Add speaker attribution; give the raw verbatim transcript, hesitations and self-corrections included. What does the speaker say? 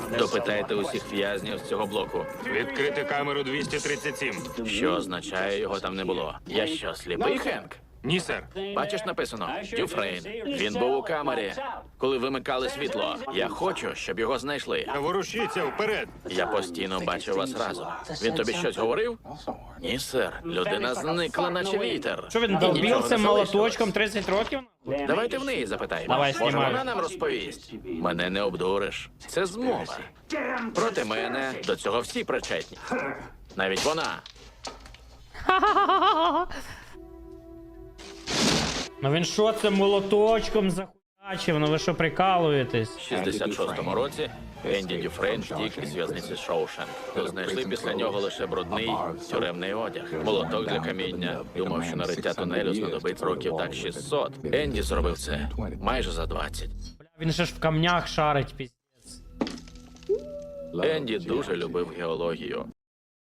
Speaker 1: Допитайте усіх в'язнів з цього блоку.
Speaker 2: Відкрити камеру двісті тридцять сім.
Speaker 1: Що означає, його там не було? Я що, сліпий, Хенк?
Speaker 2: Ні, сер.
Speaker 1: Бачиш, написано Дюфрейн. Він був у камері, коли вимикали світло. Я хочу, щоб його знайшли.
Speaker 2: Ворушіться вперед.
Speaker 1: Я постійно бачив вас разом. Він тобі щось говорив? Ні, сер. Людина зникла, наче вітер.
Speaker 3: Що він
Speaker 1: І нічого
Speaker 3: долбився
Speaker 1: не
Speaker 3: молоточком
Speaker 1: залишилось.
Speaker 3: тридцять років?
Speaker 1: Давайте в неї запитаємо.
Speaker 3: Давай,
Speaker 1: Може,
Speaker 3: знімаю.
Speaker 1: вона нам розповість. Мене не обдуриш. Це змова. Проти мене до цього всі причетні. Навіть вона.
Speaker 3: Ну він що це молоточком захуячив? Ну ви що прикалуєтесь?
Speaker 1: В шістдесят шостому році Енді Дюфрейн втік із в'язниці Шоушенк. То знайшли після нього лише брудний тюремний одяг. Молоток для каміння. Думав, що на риття тунелю знадобить років так шістсот. Енді зробив це майже за двадцять.
Speaker 3: Бля, він же ж в камнях шарить, піздець.
Speaker 1: Енді дуже любив геологію.